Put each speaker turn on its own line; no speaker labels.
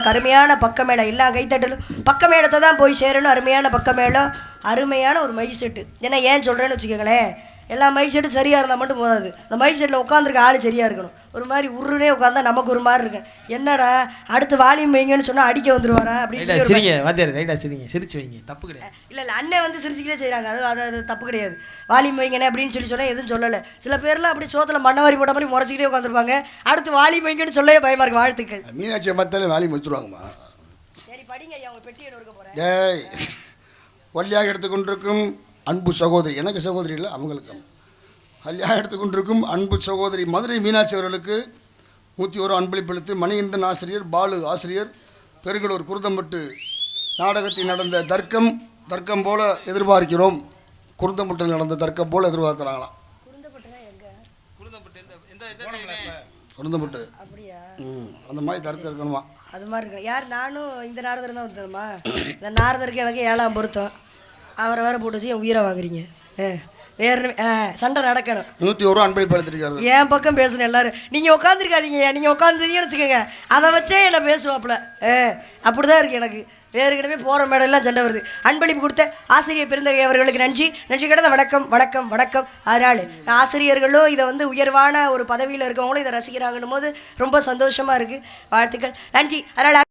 அருமையான பக்கமேளம் எல்லா கைத்தட்டலும் பக்கமேளத்தை தான் போய் சேரணும். அருமையான பக்கமேளம், அருமையான ஒரு மை செட்டு. ஏன்னா ஏன் சொல்கிறேன்னு வச்சுக்கோங்களேன், எல்லா மைக் செட்டும் சரியாக இருந்தால் மட்டும் போதாது. இந்த மைக் செட்டில் உட்காந்துருக்க ஆள் சரியாக இருக்கணும். ஒரு மாதிரி உருனே உட்காந்தா நமக்கு ஒரு மாதிரி இருக்கேன். என்னடா அடுத்து வால்யூம் வைங்கன்னு சொன்னால் அடிக்க வந்துருவாரா அப்படின்னு
சிரிங்க வாத்தியார், ரைட்டாக சிரிங்க, சிரிச்சு வைங்க, தப்பு கிடையாது.
இல்லை அண்ணன் வந்து சிரிச்சுக்கிட்டே செய்கிறாங்க, அது தப்பு கிடையாது. வால்யூம் வைங்கண்ணே அப்படின்னு சொன்னால் எதுவும் சொல்லலை. சில பேர்லாம் அப்படி சோத்தில் மண்ணவாரி போட்ட மாதிரி முறைச்சிக்கிட்டே உட்காந்துருப்பாங்க. அடுத்து வால்யூம் வைங்கன்னு சொல்லவே பயமாக இருக்கு. வாழ்த்துக்கள்.
மீனாட்சியை பார்த்தாலே வால்யூம் வச்சுருவாங்கம்மா.
சரி படிங்க ஐயா, உங்கள் பெட்டி எடுக்க போகிறேன்.
டேய், வள்ளியாக எடுத்துக்கொண்டிருக்கும் அன்பு சகோதரி, எனக்கு சகோதரி இல்லை அவங்களுக்கு, வள்ளியாக எடுத்துக்கொண்டிருக்கும் அன்பு சகோதரி மதுரை மீனாட்சி அவர்களுக்கு 101 அன்பளிப்பளித்து மணிகண்டன் ஆசிரியர், பாலு ஆசிரியர், பெருங்கலூர் குருந்தம்பட்டு நாடகத்தில் நடந்த தர்க்கம் போல எதிர்பார்க்கிறோம். குருந்தம்பட்டில் நடந்த தர்க்கம் போல எதிர்பார்க்குறாங்களாம். குருந்தம்பட்டு அந்த மாதிரி தர்க்கம் இருக்கணுமா?
அது மாதிரி இருக்கு. யார் நானும் இந்த நாரதர் தான் வந்துடுமா? இந்த நாரதருக்கு எனக்கு 7ஆம் பொருத்தம். அவரை வேற போட்டு வச்சு என் உயிரை வாங்குறீங்க. வேறு சண்டை நடக்கணும்.
101 அன்பளிப்பு எடுத்துருக்காரு.
என் பக்கம் பேசணும் எல்லாரும். நீங்கள் உட்காந்துருக்காதீங்க, நீங்கள் உட்காந்துருக்கீங்கன்னு வச்சுக்கோங்க, அதை வச்சே என்னை பேசுவாப்புல. அப்படி தான் இருக்குது எனக்கு. வேறு கிடமே போகிற மேடெல்லாம் சண்டை வருது. அன்பளிப்பு கொடுத்த ஆசிரியர் பெருந்தகை அவர்களுக்கு நன்றி கடந்த வணக்கம். அதனால் ஆசிரியர்களும் இதை வந்து உயர்வான ஒரு பதவியில் இருக்கவங்களும் இதை ரசிக்கிறாங்கன்னும் போது ரொம்ப சந்தோஷமாக இருக்குது. வாழ்த்துக்கள், நன்றி. அதனால்